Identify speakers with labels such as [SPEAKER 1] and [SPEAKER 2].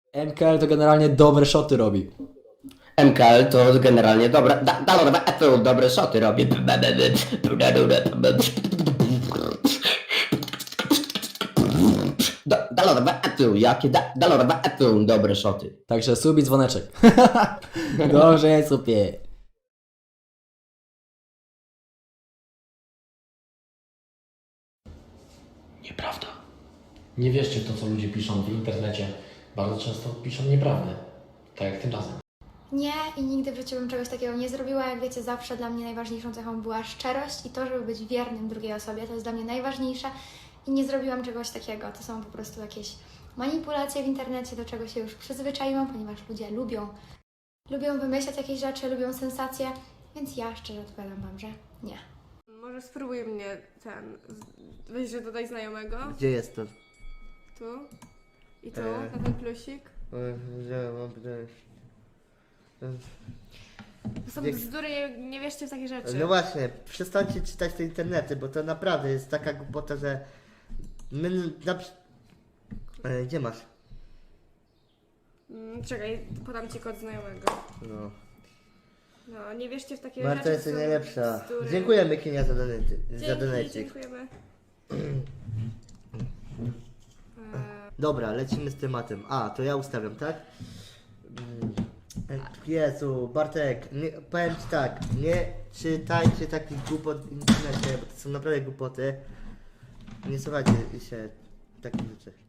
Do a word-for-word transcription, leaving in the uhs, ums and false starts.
[SPEAKER 1] M K L to generalnie dobre shoty robi.
[SPEAKER 2] M K L to generalnie dobre, da, da, to dobre szoty robi. Da, da, etu, jakie da, da, etu, dobre szoty.
[SPEAKER 1] Także sub i dzwoneczek. Dobrze jest, supie.
[SPEAKER 3] Nieprawda. Nie wierzcie w to, co ludzie piszą w internecie. Bardzo często piszą nieprawdę. Tak jak tym razem.
[SPEAKER 4] Nie i nigdy w życiu bym czegoś takiego nie zrobiła. Jak wiecie, zawsze dla mnie najważniejszą cechą była szczerość i to, żeby być wiernym drugiej osobie. To jest dla mnie najważniejsze i nie zrobiłam czegoś takiego. To są po prostu jakieś manipulacje w internecie, do czego się już przyzwyczaiłam, ponieważ ludzie lubią, lubią wymyślać jakieś rzeczy, lubią sensacje, więc ja szczerze odpowiadam Wam, że nie.
[SPEAKER 5] Może spróbuj mnie ten, weź, że dodaj znajomego,
[SPEAKER 6] Gdzie jest to?
[SPEAKER 5] tu i tu,
[SPEAKER 6] E.
[SPEAKER 5] na ten plusik.
[SPEAKER 6] Gdzie mam pytanie?
[SPEAKER 5] To są
[SPEAKER 6] Jak-
[SPEAKER 5] bzdury, nie, nie wierzcie w takie rzeczy.
[SPEAKER 6] No właśnie, przestańcie czytać te internety, bo to naprawdę jest taka głupota, że my na... przy- e, Gdzie masz?
[SPEAKER 5] Mm, czekaj, podam ci kod znajomego.
[SPEAKER 6] No.
[SPEAKER 5] No, nie wierzcie w takie
[SPEAKER 6] Marta
[SPEAKER 5] rzeczy.
[SPEAKER 6] jest
[SPEAKER 5] to są
[SPEAKER 6] najlepsza.
[SPEAKER 5] bzdury.
[SPEAKER 6] Dziękujemy Kinia za donety. Za
[SPEAKER 5] Dzięki,
[SPEAKER 6] donecik.
[SPEAKER 5] dziękujemy. E,
[SPEAKER 6] Dobra, lecimy z tematem. A, to ja ustawiam, tak? Mm, Jezu, Bartek, nie, powiem Ci tak, nie czytajcie takich głupot w internecie, bo to są naprawdę głupoty. Nie słuchajcie się takich rzeczy.